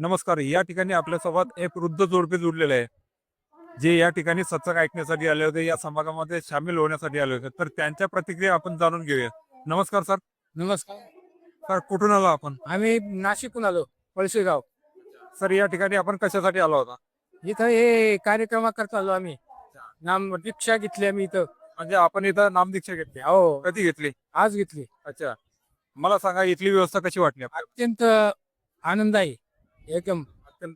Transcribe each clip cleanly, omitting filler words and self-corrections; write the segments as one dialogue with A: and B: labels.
A: नमस्कार. या ठिकाणी आपल्यासोबत एक वृद्ध जोडपे जुडलेले आहे, जे या ठिकाणी सत्संग ऐकण्यासाठी आले होते, या समागमामध्ये सामील होण्यासाठी आले होते. तर त्यांच्या प्रतिक्रिया आपण जाणून घेऊया. नमस्कार सर.
B: नमस्कार.
A: सर कुठून आलो आपण?
B: आम्ही नाशिकहून आलो, पळशीगाव.
A: सर या ठिकाणी आपण कशासाठी आलो होता?
B: इथं हे कार्यक्रमाकरता आलो आम्ही. नाम दीक्षा घेतली आम्ही इथं.
A: म्हणजे आपण इथं नामदीक्षा घेतली.
B: हो,
A: कधी घेतली?
B: आज घेतली.
A: अच्छा. मला सांगा इथली व्यवस्था कशी वाटली आपल्याला?
B: अत्यंत आनंददायी एकदम
A: अत्यंत.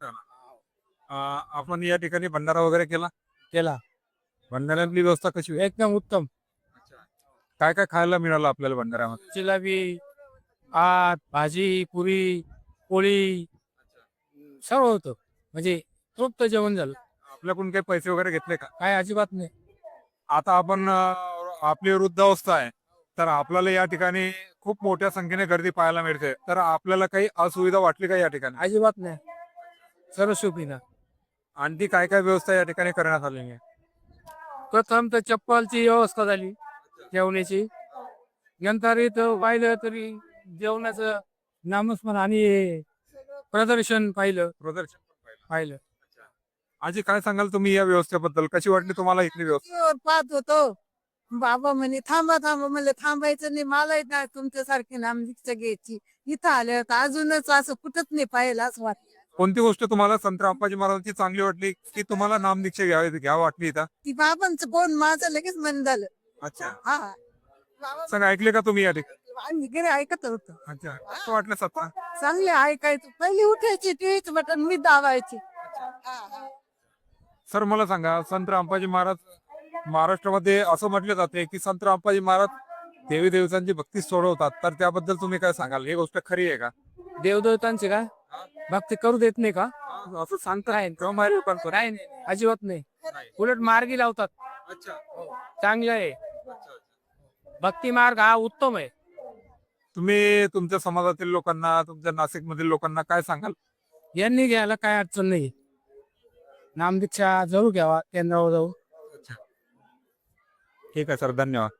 A: आपण या ठिकाणी भंडारा वगैरे केला?
B: केला.
A: भंडाऱ्यातली व्यवस्था कशी होती?
B: एकदम उत्तम.
A: काय काय खायला मिळालं आपल्याला भंडाऱ्यामध्ये?
B: जिलेबी, भात, भाजी, पुरी, पोळी सर्व होतं. म्हणजे तृप्त जेवण झालं.
A: आपल्याकडून काही पैसे वगैरे घेतले का?
B: काय अजिबात नाही.
A: आता आपण आपली वृद्धावस्था आहे, तर आपल्याला या ठिकाणी खूप मोठ्या संख्येने गर्दी पाहायला मिळते. तर आपल्याला काही असुविधा वाटली का या ठिकाणी?
B: अजिबात नाही. सर्व सुखीनं.
A: आणखी काय काय व्यवस्था या ठिकाणी करण्यात आलेली आहे?
B: प्रथम तर चप्पलची व्यवस्था झाली जेवण्याची. नंतर इथं पाहिलं तरी जेवणाचं नामस्मरण आणि प्रदर्शन पाहिलं.
A: प्रदर्शन पण पाहिलं.
B: पाहिलं
A: आजी काय सांगाल तुम्ही या व्यवस्थेबद्दल? कशी वाटली तुम्हाला इथली व्यवस्था?
C: वर पाहत होतो. बाबा म्हणे थांबा थांबा, म्हणलं थांबायचं नाही, मला नाही तुमच्यासारखी नामदीक्षा घ्यायची. इथं आल्या तर अजूनच असं कुठंच नाही पाहिलं असं वाटतं.
A: कोणती गोष्ट तुम्हाला संत रामपाजी महाराजांची चांगली वाटली की तुम्हाला नामदीक्षा घ्यावी वाटली इथं?
C: ती बाबांचं कोण माझं लगेच मन झालं.
A: अच्छा.
C: हा बाबा
A: सर ऐकले का तुम्ही या ठिकाणी?
C: आम्ही घरी ऐकत होतो.
A: अच्छा. कसं वाटलं सत्ता?
C: चांगले ऐकायचं. पहिली उठायची टीव्हीच बटन मी दाबायची. हा, हा.
A: सर मला सांगा, संत रामपाजी महाराज महाराष्ट्रामध्ये असं म्हटले जाते की संत रामपाजी महाराज देवी देवतांची भक्ती सोडवतात, तर त्याबद्दल तुम्ही काय सांगाल? ही गोष्ट खरी आहे का?
B: देवदेवतांचे का भक्ती करू देत नाही का
A: असं
B: काय नाही, अजिबात नाही. उलट मार्गी लावतात.
A: अच्छा.
B: चांगलं आहे. भक्ती मार्ग हा उत्तम आहे.
A: तुम्ही तुमच्या समाजातील लोकांना, तुमच्या नाशिक मधील लोकांना काय सांगाल?
B: यांनी घ्यायला काय अडचण नाही. नामदीक्षा जरूर घ्यावा केंद्रावर जाऊन.
A: ठीक आहे सर, धन्यवाद.